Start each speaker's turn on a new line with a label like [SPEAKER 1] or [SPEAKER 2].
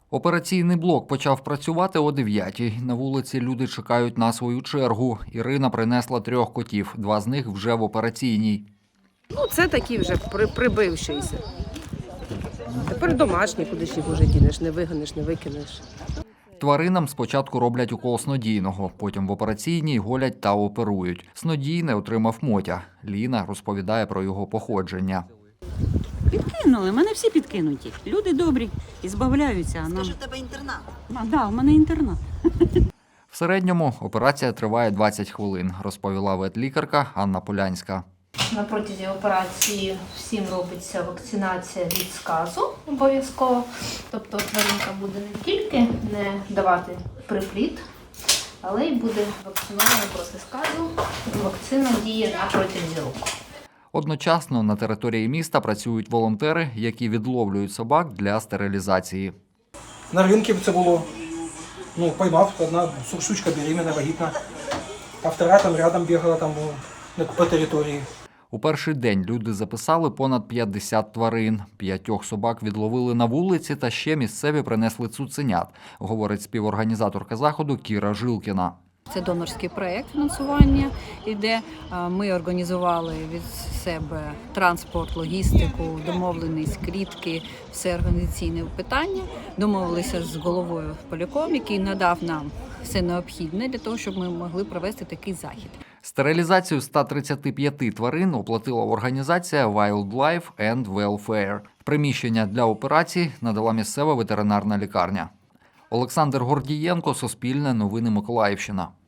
[SPEAKER 1] Операційний блок почав працювати о 9-й. На вулиці люди чекають на свою чергу. Ірина принесла 3 котів, 2 з них вже в операційній.
[SPEAKER 2] Це такі вже прибившися. Тепер домашні, куди ж їх уже дінеш, не вигониш, не викинеш.
[SPEAKER 1] Тваринам спочатку роблять укол снодійного, потім в операційній голять та оперують. Снодійне отримав Мотя. Ліна розповідає про його походження.
[SPEAKER 3] Підкинули, мене всі підкинуті. Люди добрі і збавляються.
[SPEAKER 4] Скажи, в тебе інтернат?
[SPEAKER 3] Так, у мене інтернат.
[SPEAKER 1] В середньому операція триває 20 хвилин, розповіла ветлікарка Анна Полянська.
[SPEAKER 5] На протязі операції всім робиться вакцинація від сказу обов'язково. Тобто тваринка буде не тільки не давати припліт, але й буде вакцинована проти сказу. Вакцина діє на протязі року.
[SPEAKER 1] Одночасно на території міста працюють волонтери, які відловлюють собак для стерилізації.
[SPEAKER 6] На ринку це було, поймав, одна штучка беременна, вагітна, а втора там рядом бігала по території.
[SPEAKER 1] У перший день люди записали понад 50 тварин. 5 собак відловили на вулиці та ще місцеві принесли цуценят, говорить співорганізаторка заходу Кіра Жилкіна.
[SPEAKER 7] Це донорський проєкт фінансування іде. Ми організували від себе транспорт, логістику, домовленість, клітки, все організаційне питання. Домовилися з головою поляком, який надав нам все необхідне для того, щоб ми могли провести такий захід.
[SPEAKER 1] Стерилізацію 135 тварин оплатила організація Wildlife and Welfare. Приміщення для операцій надала місцева ветеринарна лікарня. Олександр Гордієнко, Суспільне новини Миколаївщина.